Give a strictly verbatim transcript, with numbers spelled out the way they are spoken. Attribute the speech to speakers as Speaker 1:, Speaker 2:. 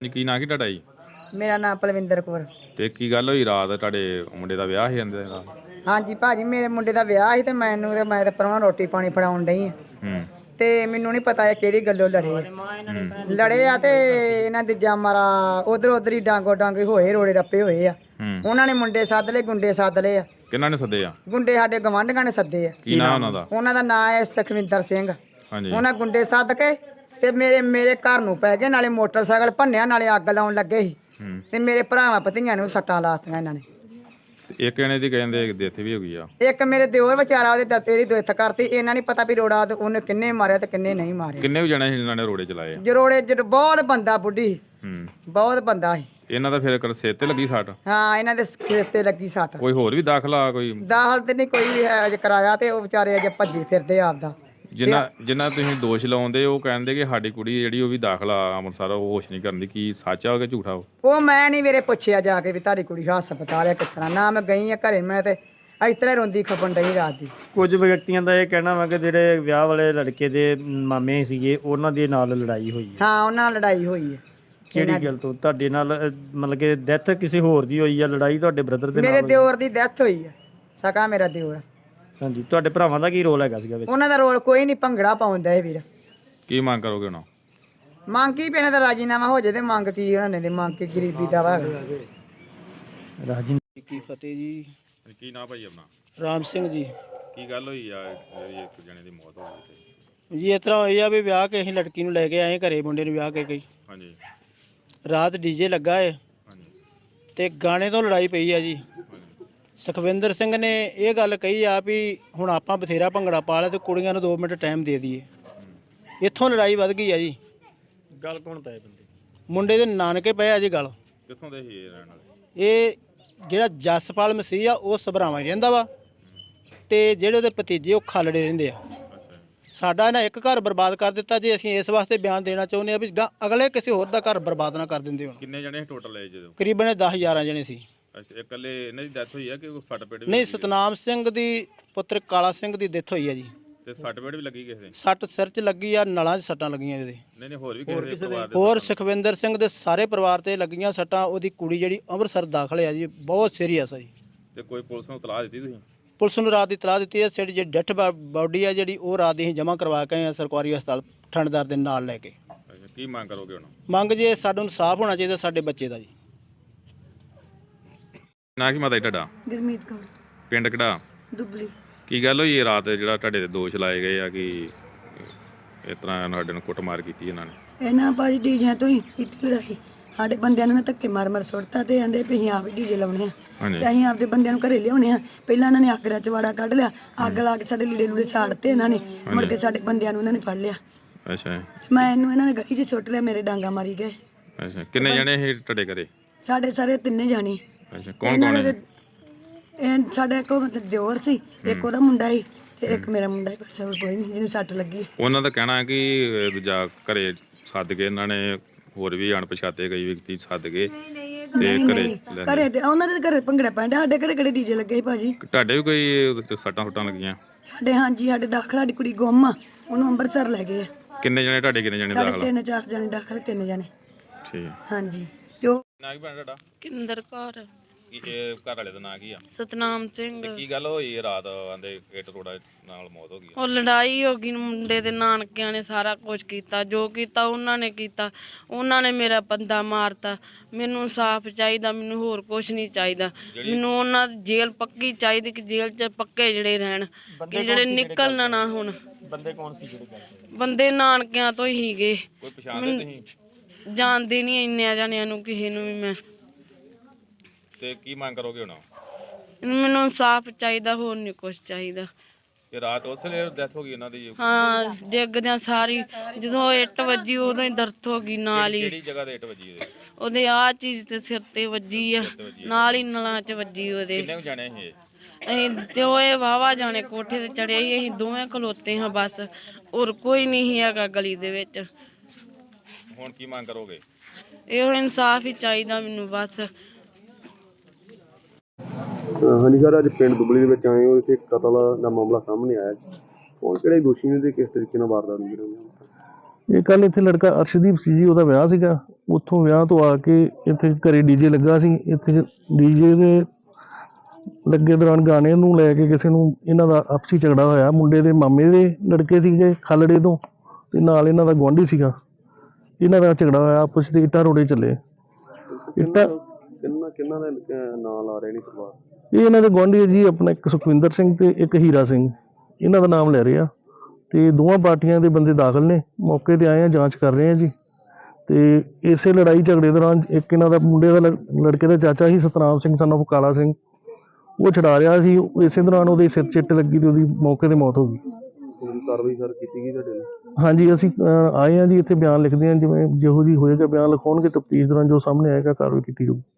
Speaker 1: ਕੀ ਨਾਂ ਕੀ ਤੁਹਾਡਾ ਜੀ?
Speaker 2: ਮੇਰਾ ਨਾਮ ਪਲਵਿੰਦਰ ਕੌਰ।
Speaker 1: ਤੇ ਕੀ ਗੱਲ ਹੋਈ ਰਾਤ ਤੁਹਾਡੇ ਮੁੰਡੇ ਦਾ ਵਿਆਹ ਸੀ ਜਾਂਦੇ ਨਾਲ?
Speaker 2: ਹਾਂਜੀ ਭਾਜੀ, ਮੇਰੇ ਮੁੰਡੇ ਦਾ ਵਿਆਹ ਸੀ ਤੇ ਮੈਨੂੰ ਤੇ ਮੈਂ ਤੇ ਪਰਵਾਹ ਰੋਟੀ ਪਾਣੀ ਫੜਾਉਣ ਡਈ ਆ
Speaker 1: ਹੂੰ
Speaker 2: ਤੇ ਮੈਨੂੰ ਨਹੀਂ ਪਤਾ ਇਹ ਕਿਹੜੀ ਗੱਲੋਂ ਲੜੇ
Speaker 1: ਹੂੰ
Speaker 2: ਲੜੇ ਆ ਤੇ ਇਹਨਾਂ ਦੇ ਜਾਮਾਰਾ ਉਧਰ ਉਧਰ ਹੀ ਡਾਂਗੋ ਡਾਂਗੇ ਹੋਏ, ਰੋੜੇ ਰੱਪੇ ਹੋਏ ਆ।
Speaker 1: ਹੂੰ
Speaker 2: ਉਹਨਾਂ ਨੇ ਮੁੰਡੇ ਸੱਦ ਲਏ, ਗੁੰਡੇ ਸੱਦ ਲਏ ਆ।
Speaker 1: ਕਿਹਨਾਂ ਨੇ ਸੱਦੇ ਆ?
Speaker 2: ਗੁੰਡੇ ਸਾਡੇ ਗਵਾਂਢੀਆਂ ਨੇ ਸੱਦੇ ਆ।
Speaker 1: ਕੀ ਨਾਂ ਉਹਨਾਂ ਦਾ?
Speaker 2: ਉਹਨਾਂ ਦਾ ਨਾਂ ਹੈ ਸੁਖਵਿੰਦਰ ਸਿੰਘ।
Speaker 1: ਹਾਂਜੀ।
Speaker 2: ਉਹਨਾਂ ਗੁੰਡੇ ਸੱਦ ਕੇ ਤੇ ਮੇਰੇ ਮੇਰੇ ਘਰ ਨੂੰ ਪੈ ਗਏ, ਨਾਲੇ ਮੋਟਰਸਾਈਕਲ ਭੰਨਿਆ, ਨਾਲੇ ਅੱਗ ਲਾਉਣ ਲੱਗੇ ਸੀ
Speaker 1: ਹੂੰ
Speaker 2: ਤੇ ਮੇਰੇ ਭਰਾਵਾਂ ਭਤੀਆਂ ਨੂੰ ਸੱਟਾਂ ਲਾਤੀਆਂ ਇਹਨਾਂ ਨੇ।
Speaker 1: ਤੇ ਇੱਕ ਜਣੇ ਦੀ ਕਹਿੰਦੇ ਡੈਥ ਵੀ ਹੋ ਗਈ ਆ।
Speaker 2: ਇੱਕ ਮੇਰੇ ਦਿਓਰ ਵਿਚਾਰਾ ਉਹਦੇ ਦਾਤੇ ਦੀ ਦੁੱਖ ਕਰਤੀ। ਇਹਨਾਂ ਨਹੀਂ ਪਤਾ ਵੀ ਰੋੜਾ ਉਹਨੇ ਕਿੰਨੇ ਮਾਰਿਆ ਤੇ ਕਿੰਨੇ ਨਹੀਂ ਮਾਰਿਆ।
Speaker 1: ਕਿੰਨੇ ਵੀ ਜਣੇ ਸੀ ਇਹਨਾਂ ਨੇ ਰੋੜੇ ਚਲਾਏ ਆ?
Speaker 2: ਜਰੋੜੇ ਜਰ ਬਹੁਤ ਬੰਦਾ ਬੁੱਢੀ
Speaker 1: ਹੂੰ
Speaker 2: ਬਹੁਤ ਬੰਦਾ ਸੀ।
Speaker 1: ਇਹਨਾਂ ਦਾ ਫਿਰ ਸਿਰ ਤੇ ਲੱਗੀ ਸੱਟ?
Speaker 2: ਹਾਂ, ਇਹਨਾਂ ਦੇ ਸਿਰ ਤੇ ਲੱਗੀ ਸੱਟ।
Speaker 1: ਕੋਈ ਹੋਰ ਵੀ ਦਾਖਲਾ ਕੋਈ?
Speaker 2: ਦਾਖਲ ਤੇ ਨਹੀਂ ਕੋਈ ਅਜੇ ਕਰਾਇਆ ਤੇ ਉਹ ਵਿਚਾਰੇ ਅਜੇ ਭੱਜੇ ਫਿਰਦੇ ਆਪਦਾ।
Speaker 1: ਜਿੰਨਾ ਜਿੰਨਾ ਤੁਸੀਂ ਦੋਸ਼ ਲਾਉਂਦੇ ਉਹ ਕਹਿੰਦੇ ਕਿ ਸਾਡੀ ਕੁੜੀ ਜਿਹੜੀ ਉਹ ਵੀ ਦਾਖਲਾ ਅੰਮ੍ਰਿਤਸਰ ਉਹ ਹੋਸ਼ ਨਹੀਂ ਕਰਦੀ। ਕੀ ਸੱਚ ਆ ਕਿ ਝੂਠਾ? ਉਹ
Speaker 2: ਉਹ ਮੈਂ ਨਹੀਂ ਵੀਰੇ ਪੁੱਛਿਆ ਜਾ ਕੇ ਵੀ ਤੁਹਾਡੀ ਕੁੜੀ ਹਸਪਤਾਲ ਹੈ ਕਿਸ ਤਰ੍ਹਾਂ। ਨਾ ਮੈਂ ਗਈ ਆ ਘਰੇ, ਮੈਂ ਤੇ ਇਸ ਤਰ੍ਹਾਂ ਰੋਂਦੀ ਖਪਣ ਡਈ ਰਾਤ ਦੀ।
Speaker 3: ਕੁਝ ਵਿਅਕਤੀਆਂ ਦਾ ਇਹ ਕਹਿਣਾ ਵਾ ਕਿ ਜਿਹੜੇ ਵਿਆਹ ਵਾਲੇ ਲੜਕੇ ਦੇ ਮਾਮੇ ਸੀਗੇ ਉਹਨਾਂ ਦੇ ਨਾਲ ਲੜਾਈ ਹੋਈ ਹੈ।
Speaker 2: ਹਾਂ, ਉਹਨਾਂ ਨਾਲ ਲੜਾਈ ਹੋਈ ਹੈ।
Speaker 3: ਕਿਹੜੀ ਗੱਲ ਤੋਂ? ਤੁਹਾਡੇ ਨਾਲ ਅਹ, ਮਤਲਬ ਕਿ ਡੈਥ ਕਿਸੇ ਹੋਰ ਦੀ ਹੋਈ ਆ? ਲੜਾਈ ਤੁਹਾਡੇ ਬ੍ਰਦਰ ਦੇ ਨਾਲ
Speaker 2: ਮੇਰੇ
Speaker 3: ਹੋਈ?
Speaker 2: ਦਿਓਰ ਦੀ ਡੈਥ ਹੋਈ ਹੈ, ਸਕਾ ਮੇਰਾ ਦਿਓਰ।
Speaker 3: ਹਾਂਜੀ। ਤੁਹਾਡੇ ਭਰਾਵਾਂ ਦਾ ਕੀ ਰੋਲ ਹੈਗਾ ਸੀਗਾ ਵਿੱਚ?
Speaker 2: ਉਹਨਾਂ ਦਾ ਰੋਲ ਕੋਈ ਨਹੀਂ, ਭੰਗੜਾ ਪਾਉਂਦਾ ਇਹ ਵੀਰ।
Speaker 1: ਕੀ ਮੰਗ ਕਰੋਗੇ ਹੁਣ?
Speaker 2: ਮੰਗ ਕੀ ਪੈਣਾ ਤਾਂ ਰਾਜੀਨਾਮਾ ਹੋ ਜੇ ਤੇ ਮੰਗ ਕੀ ਉਹਨਾਂ ਨੇ ਮੰਗ ਕੇ ਗਰੀਬੀ ਦਾ ਵਾ।
Speaker 3: ਰਾਜੀ
Speaker 4: ਕੀ ਫਤਿਹ ਜੀ।
Speaker 1: ਕੀ ਨਾਂ ਭਾਈ ਆਪਣਾ?
Speaker 4: ਰਾਮ ਸਿੰਘ ਜੀ।
Speaker 1: ਕੀ ਗੱਲ ਹੋਈ ਆ ਜਿਹੜੀ ਇੱਕ ਜਣੇ ਦੀ ਮੌਤ ਹੋ ਗਈ?
Speaker 4: ਜੀ ਇਸ ਤਰ੍ਹਾਂ ਹੋਈ ਆ ਵੀ ਵਿਆਹ ਕੇ ਅਸੀਂ ਲੜਕੀ ਨੂੰ ਲੈ ਕੇ ਆਏ ਘਰੇ, ਮੁੰਡੇ ਨੂੰ ਵਿਆਹ ਕੇ ਗਈ।
Speaker 1: ਹਾਂਜੀ
Speaker 4: ਰਾਤ ਡੀਜੇ ਲੱਗਾ ਏ
Speaker 1: ਹਾਂਜੀ
Speaker 4: ਤੇ ਗਾਣੇ ਤੋਂ ਲੜਾਈ ਪਈ ਆ ਜੀ। ਸੁਖਵਿੰਦਰ ਸਿੰਘ ਨੇ ਇਹ ਗੱਲ ਕਹੀ ਆ ਵੀ ਹੁਣ ਆਪਾਂ ਬਥੇਰਾ ਭੰਗੜਾ ਪਾ ਲਿਆ ਤੇ ਕੁੜੀਆਂ ਨੂੰ ਦੋ ਮਿੰਟ ਟਾਈਮ ਦੇ ਦਈਏ। ਇੱਥੋਂ ਲੜਾਈ ਵੱਧ ਗਈ ਆ ਜੀ।
Speaker 3: ਗੱਲ ਕੌਣ ਪਏ ਬੰਦੇ?
Speaker 4: ਮੁੰਡੇ ਦੇ ਨਾਨਕੇ ਪਏ ਆ ਜੀ ਗੱਲ।
Speaker 1: ਕਿੱਥੋਂ ਦੇ ਸੀ ਇਹ ਰਹਿਣ ਵਾਲੇ?
Speaker 4: ਇਹ ਜਿਹੜਾ ਜਸਪਾਲ ਮਸੀਹ ਆ ਉਹ ਸਭਰਾਵਾਂ ਹੀ ਰਹਿੰਦਾ ਵਾ ਤੇ ਜਿਹੜੇ ਉਹਦੇ ਭਤੀਜੇ ਉਹ ਖਾਲੜੇ ਰਹਿੰਦੇ ਆ। ਸਾਡਾ ਇਹਨਾਂ ਇੱਕ ਘਰ ਬਰਬਾਦ ਕਰ ਦਿੱਤਾ ਜੀ। ਅਸੀਂ ਇਸ ਵਾਸਤੇ ਬਿਆਨ ਦੇਣਾ ਚਾਹੁੰਦੇ ਆ ਵੀ ਗਾਂ ਅਗਲੇ ਕਿਸੇ ਹੋਰ ਦਾ ਘਰ ਬਰਬਾਦ ਨਾ ਕਰ ਦਿੰਦੇ ਹੋਣ।
Speaker 1: ਕਿੰਨੇ ਜਣੇ ਟੋਟਲ ਆਏ ਜਦੋਂ?
Speaker 4: ਕਰੀਬਨ ਦਸ ਗਿਆਰਾਂ ਜਣੇ ਸੀ।
Speaker 1: ਅੱਛਾ, ਇਕੱਲੇ ਇਹਨਾਂ ਦੀ ਡੈਥ ਹੋਈ ਆ ਕਿ ਸੱਟ ਪੇਟ ਵੀ
Speaker 4: ਨਹੀਂ,
Speaker 1: ਲੱਗੀ?
Speaker 4: ਸਤਨਾਮ ਸਿੰਘ ਦੀ ਪੁੱਤਰ ਕਾਲਾ ਸਿੰਘ ਦੀ ਡੈਥ ਹੋਈ ਆ ਜੀ।
Speaker 1: ਤੇ ਸੱਟ ਪੇਟ ਵੀ ਲੱਗੀ ਕਿਸੇ ਦੇ?
Speaker 4: ਸੱਟ ਸਿਰ 'ਚ ਲੱਗੀ ਆ, ਨਲਾਂ 'ਚ ਸੱਟਾਂ ਲੱਗੀਆਂ ਇਹਦੇ।
Speaker 1: ਨਹੀਂ ਨਹੀਂ ਹੋਰ ਵੀ ਕਿਸੇ ਦੇ ਪਰਿਵਾਰ ਦੇ?
Speaker 4: ਹੋਰ ਸੁਖਵਿੰਦਰ ਸਿੰਘ ਦੇ ਸਾਰੇ ਪਰਿਵਾਰ ਤੇ ਲੱਗੀਆਂ ਸੱਟਾਂ। ਉਹਦੀ ਕੁੜੀ ਜਿਹੜੀ ਅੰਮ੍ਰਿਤਸਰ ਦਾਖਲ ਆ ਜੀ, ਬਹੁਤ ਸੀਰੀਅਸ ਆ ਜੀ।
Speaker 1: ਤੇ ਕੋਈ ਪੁਲਿਸ ਨੂੰ ਇਤਲਾਹ ਦਿੱਤੀ ਤੁਸੀਂ?
Speaker 4: ਪੁਲਿਸ ਨੂੰ ਰਾਤ ਦੀ ਇਤਲਾਹ ਦਿੱਤੀ ਹੈ। ਜਿਹੜੀ ਜਿਹੜੀ ਡੈਥ ਬਾਡੀ ਆ ਜਿਹੜੀ ਉਹ ਰਾਤ ਦੀ ਅਸੀਂ ਜਮ੍ਹਾਂ ਕਰਵਾ ਕੇ ਆਏ ਹਾਂ ਸਰਕਾਰੀ ਹਸਪਤਾਲ ਠੰਡਦਾਰ ਦੇ ਨਾਲ ਲੈ ਕੇ।
Speaker 1: ਅੱਛਾ, ਕੀ ਮੰਗ ਕਰੋਗੇ ਹੁਣ?
Speaker 4: ਮੰਗ ਜੇ ਸਾਨੂੰ ਇਨਸਾਫ ਹੋਣਾ ਚਾਹੀਦਾ ਸਾਡੇ ਬੱਚੇ ਦਾ ਜੀ।
Speaker 1: ਨਾਂ ਕੀ ਮਾਤਾ ਜੀ ਤੁਹਾਡਾ?
Speaker 2: ਗੁਰਮੀਤ ਕੌਰ,
Speaker 1: ਪਿੰਡ ਕਿਹੜਾ?
Speaker 2: ਦੁੱਬਲੀ।
Speaker 1: ਕੀ ਗੱਲ ਹੋਈ ਇਹ ਰਾਤ ਜਿਹੜਾ ਤੁਹਾਡੇ ਤੇ ਦੋਸ਼ ਲਾਏ ਗਏ ਆ ਕਿ ਇਸ ਤਰ੍ਹਾਂ ਸਾਡੇ ਨੂੰ ਕੁੱਟਮਾਰ ਕੀਤੀ ਇਹਨਾਂ ਨੇ?
Speaker 5: ਇਹਨਾਂ ਭਾਜੀ ਡੀਜਿਆਂ ਤੋਂ ਹੀ ਕੀਤੀ ਲੜਾਈ। ਸਾਡੇ ਬੰਦਿਆਂ ਨੂੰ ਧੱਕੇ ਮਾਰ ਮਾਰ ਸੁੱਟਤਾ ਤੇ ਆਂਦੇ ਵੀ ਅਸੀਂ ਆਪ ਡੀਜੇ ਲਾਉਣੇ ਆ
Speaker 1: ਹਾਂਜੀ
Speaker 5: ਤੇ ਅਸੀਂ ਆਪਦੇ ਬੰਦਿਆਂ ਨੂੰ ਘਰੇ ਲਿਆਉਣੇ ਆ। ਪਹਿਲਾਂ ਇਹਨਾਂ ਨੇ ਅੱਗ ਦਾ ਚਵਾੜਾ ਕੱਢ ਲਿਆ, ਅੱਗ ਲਾ ਕੇ ਸਾਡੇ ਲੀੜੇ ਲੂੜੇ ਸਾੜਤੇ ਇਹਨਾਂ ਨੇ। ਮੁੜ ਕੇ ਸਾਡੇ ਬੰਦਿਆਂ ਨੂੰ ਇਹਨਾਂ ਨੇ ਫੜ ਲਿਆ।
Speaker 1: ਅੱਛਾ
Speaker 5: ਮੈਂ ਇਹਨੂੰ ਇਹਨਾਂ ਨੇ ਗਲੀ 'ਚ ਸੁੱਟ ਲਿਆ, ਮੇਰੇ ਡਾਂਗਾ ਮਾਰੀ ਗਏ।
Speaker 1: ਅੱਛਾ, ਕਿੰਨੇ ਜਣੇ ਇਹ ਤੁਹਾਡੇ ਘਰੇ?
Speaker 5: ਸਾਡੇ ਸਾਰੇ ਤਿੰਨੇ ਜਾਣੇ।
Speaker 1: ਅੱਛਾ, ਕੌਣ ਕੌਣ ਹੈ?
Speaker 5: ਇਹ ਸਾਡੇ ਇੱਕ ਦਿਓਰ ਸੀ, ਇੱਕ ਉਹਦਾ ਮੁੰਡਾ ਸੀ ਤੇ ਇੱਕ ਮੇਰਾ ਮੁੰਡਾ ਸੀ। ਬਸ ਹੋਰ ਕੋਈ ਨਹੀਂ ਜਿਹਨੂੰ ਸੱਟ ਲੱਗੀ।
Speaker 1: ਉਹਨਾਂ ਦਾ ਕਹਿਣਾ ਹੈ ਕਿ ਦੂਜਾ ਘਰੇ ਸੱਦ ਕੇ ਇਹਨਾਂ ਨੇ ਹੋਰ ਵੀ ਅਣਪਛਾਤੇ ਕਈ ਵਿਅਕਤੀ ਸੱਦ ਕੇ ਤੇ ਘਰੇ ਲੈ
Speaker 5: ਘਰੇ ਤੇ ਉਹਨਾਂ ਦੇ ਘਰੇ ਭੰਗੜਾ ਪੈਂਦਾ, ਸਾਡੇ ਘਰੇ ਕਿਹੜੇ ਡੀਜੇ ਲੱਗੇ ਸੀ ਭਾਜੀ।
Speaker 1: ਤੁਹਾਡੇ ਵੀ ਕੋਈ ਸੱਟਾਂ ਫੁੱਟਾਂ ਲੱਗੀਆਂ?
Speaker 5: ਸਾਡੇ ਹਾਂਜੀ, ਸਾਡੇ ਦਾਖਲ ਸਾਡੀ ਕੁੜੀ ਗੁੰਮ ਆ, ਉਹਨੂੰ ਅੰਮ੍ਰਿਤਸਰ ਲੈ ਗਏ ਆ।
Speaker 1: ਕਿੰਨੇ ਜਣੇ ਤੁਹਾਡੇ? ਕਿੰਨੇ ਜਣੇ
Speaker 5: ਸਾਡੇ
Speaker 1: ਦਾਖਲ?
Speaker 5: ਤਿੰਨ ਚਾਰ ਜਣੇ ਦਾਖਲ, ਤਿੰਨ ਜਣੇ।
Speaker 1: ਠੀਕ।
Speaker 5: ਹਾਂਜੀ। ਤੇ ਉਹ
Speaker 1: ਨਾਂ ਕੀ ਭੈਣ ਤੁਹਾਡਾ?
Speaker 6: ਕਿੰਦਰ ਕੌਰ।
Speaker 1: ਕੀ ਇਹ ਘਰ ਵਾਲੇ ਦਾ ਨਾਂ ਕੀ ਆ?
Speaker 6: ਸਤਨਾਮ ਸਿੰਘ।
Speaker 1: ਤੇ ਕੀ ਗੱਲ ਹੋਈ ਰਾਤ ਆਂਦੇ ਇੱਟ ਰੋੜਾ ਨਾਲ ਮੌਤ ਹੋ ਗਈ?
Speaker 6: ਉਹ ਲੜਾਈ ਹੋ ਗਈ, ਮੁੰਡੇ ਦੇ ਨਾਨਕਿਆਂ ਨੇ ਸਾਰਾ ਕੁਝ ਕੀਤਾ, ਜੋ ਕੀਤਾ ਉਹਨਾਂ ਨੇ ਕੀਤਾ। ਉਹਨਾਂ ਨੇ ਮੇਰਾ ਬੰਦਾ ਮਾਰਤਾ। ਮੈਨੂੰ ਇਨਸਾਫ ਚਾਹੀਦਾ, ਮੈਨੂੰ ਹੋਰ ਕੁਝ ਨਹੀਂ ਚਾਹੀਦਾ। ਮੈਨੂੰ ਉਹਨਾਂ ਦੀ ਜੇਲ੍ਹ ਪੱਕੀ ਚਾਹੀਦੀ ਕਿ ਜੇਲ੍ਹ 'ਚ ਪੱਕੇ ਜਿਹੜੇ ਰਹਿਣ, ਕਿ ਜਿਹੜੇ ਨਿਕਲਣਾ ਨਾ ਹੁਣ।
Speaker 3: ਬੰਦੇ ਕੌਣ ਸੀ ਜਿਹੜੇ ਕਰਦੇ?
Speaker 6: ਬੰਦੇ ਨਾਨਕਿਆਂ ਤੋਂ ਹੀ ਹੀਗੇ।
Speaker 1: ਕੋਈ ਪਛਾਣਦੇ ਤੁਸੀਂ?
Speaker 6: ਜਾਣਦੇ ਨਹੀਂ ਇੰਨਿਆਂ ਜਾਣਿਆਂ ਨੂੰ ਕਿਸੇ ਨੂੰ ਵੀ ਮੈਂ।
Speaker 1: ਤੇ ਕੀ ਮੰਗ ਕਰੋਗੇ ਹੁਣ?
Speaker 6: ਮੈਨੂੰ ਇਨਸਾਫ ਚਾਹੀਦਾ, ਹੋਰ ਨਹੀਂ ਕੁਝ ਚਾਹੀਦਾ।
Speaker 1: ਤੇ ਰਾਤ ਉਸ ਵੇਲੇ ਡੈਥ ਹੋ ਗਈ ਇਹਨਾਂ ਦੀ?
Speaker 6: ਹਾਂ, ਡਿੱਗਦਿਆਂ ਸਾਰੀ ਜਦੋਂ ਇੱਟ ਵੱਜੀ ਉਦੋਂ ਹੀ ਦਰਦ ਹੋ ਗਈ ਨਾਲ ਹੀ।
Speaker 1: ਕਿਹੜੀ ਜਗ੍ਹਾ ਤੇ ਇੱਟ ਵੱਜੀ ਉਹਦੇ?
Speaker 6: ਉਹਦੇ ਆਹ ਚੀਜ਼ ਤੇ ਸਿਰ ਤੇ ਵੱਜੀ ਆ, ਨਾਲ ਹੀ ਨਲਾਂ 'ਚ ਵੱਜੀ ਉਹਦੇ।
Speaker 1: ਕਿੰਨੇ ਜਾਣੇ ਇਹ?
Speaker 6: ਅਸੀਂ ਤੇ ਉਹ ਇਹ ਵਾਹਵਾ ਜਾਣੇ ਕੋਠੇ ਤੇ ਚੜੇ ਸੀ, ਅਸੀਂ ਦੋਵੇਂ ਖਲੋਤੇ ਹਾਂ ਬਸ, ਹੋਰ ਕੋਈ ਨਹੀਂ ਸੀ ਹੈਗਾ ਗਲੀ ਦੇ ਵਿੱਚ।
Speaker 1: ਹੁਣ ਕੀ ਮੰਗ ਕਰੋਗੇ?
Speaker 6: ਇਹੋ ਇਨਸਾਫ ਹੀ ਚਾਹੀਦਾ ਮੈਨੂੰ ਬਸ।
Speaker 7: ਹਾਂਜੀ ਸਰ, ਅੱਜ ਪਿੰਡ ਦੁਬਲੀ ਦੇ ਵਿੱਚ ਆਏ ਹੋ। ਇੱਥੇ ਕਤਲ ਦਾ ਮਾਮਲਾ ਸਾਹਮਣੇ ਆਇਆ। ਕੌਣ ਕਿਹੜੇ ਦੋਸ਼ੀ ਨੇ ਤੇ ਕਿਸ ਤਰੀਕੇ ਨਾਲ ਵਾਰਦਾਤ ਹੋਈ?
Speaker 8: ਇਹ ਕੱਲ ਇੱਥੇ ਲੜਕਾ ਅਰਸ਼ਦੀਪ ਸੀ ਜੀ, ਉਹਦਾ ਵਿਆਹ ਸੀਗਾ। ਉੱਥੋਂ ਵਿਆਹ ਤੋਂ ਆ ਕੇ ਇੱਥੇ ਘਰੇ ਡੀਜੇ ਲੱਗਾ ਸੀ। ਇੱਥੇ ਡੀਜੇ ਦੇ ਲੱਗੇ ਦੌਰਾਨ ਗਾਣੇ ਨੂੰ ਲੈ ਕੇ ਕਿਸੇ ਨੂੰ ਇਹਨਾਂ ਦਾ ਆਪਸੀ ਝਗੜਾ ਹੋਇਆ। ਮੁੰਡੇ ਦੇ ਮਾਮੇ ਦੇ ਲੜਕੇ ਸੀਗੇ ਖਾਲੜੇ ਤੋਂ, ਤੇ ਨਾਲ ਇਹਨਾਂ ਦਾ ਗੁਆਂਢੀ ਸੀਗਾ। ਇਹਨਾਂ ਦਾ ਝਗੜਾ ਹੋਇਆ, ਆਪਸ 'ਚ ਇੱਟਾਂ ਰੋੜੇ ਚੱਲੇ। ਇੱਟਾਂ
Speaker 7: ਕਿੰਨਾ ਕਿੰਨਾ ਦਾ ਅਹ, ਨਾਂ ਲਾ ਰਹੇ ਨੇ ਪਰਿਵਾਰ?
Speaker 8: ਇਹ ਇਹਨਾਂ ਦੇ ਗੁਆਂਢੀ ਹੈ ਜੀ, ਆਪਣਾ ਇੱਕ ਸੁਖਵਿੰਦਰ ਸਿੰਘ ਤੇ ਇੱਕ ਹੀਰਾ ਸਿੰਘ, ਇਹਨਾਂ ਦਾ ਨਾਮ ਲੈ ਰਹੇ ਆ। ਤੇ ਦੋਵਾਂ ਪਾਰਟੀਆਂ ਦੇ ਬੰਦੇ ਦਾਖਲ ਨੇ, ਮੌਕੇ ਤੇ ਆਏ ਆ, ਜਾਂਚ ਕਰ ਰਹੇ ਆ ਜੀ। ਤੇ ਇਸੇ ਲੜਾਈ ਝਗੜੇ ਦੌਰਾਨ ਇੱਕ ਇਹਨਾਂ ਦਾ ਮੁੰਡੇ ਦਾ ਲੜ- ਲੜਕੇ ਦਾ ਚਾਚਾ ਸੀ ਸਤਨਾਮ ਸਿੰਘ son of ਕਾਲਾ ਸਿੰਘ, ਉਹ ਛਡਾ ਰਿਹਾ ਸੀ। ਇਸੇ ਦੌਰਾਨ ਉਹਦੇ ਸਿਰ 'ਚ ਇੱਟ ਲੱਗੀ ਤੇ ਉਹਦੀ ਮੌਕੇ ਤੇ ਮੌਤ ਹੋ ਗਈ।
Speaker 7: ਪੂਰੀ ਕਾਰਵਾਈ ਸਰ ਕੀਤੀ ਗਈ ਤੁਹਾਡੇ ਨਾਲ?
Speaker 8: ਹਾਂਜੀ, ਅਸੀਂ ਅਹ, ਆਏ ਆ ਜੀ, ਇੱਥੇ ਬਿਆਨ ਲਿਖਦੇ ਹਾਂ। ਜਿਵੇਂ ਜਿਹੋ ਜਿਹੀ ਹੋਏਗਾ ਬਿਆਨ ਲਿਖਾਉਣਗੇ, ਤਫਤੀਸ਼ ਦੌਰਾਨ ਜੋ ਸਾਹਮਣੇ ਆਏਗਾ ਕਾਰਵਾਈ ਕੀਤੀ ਜਾਊਗੀ।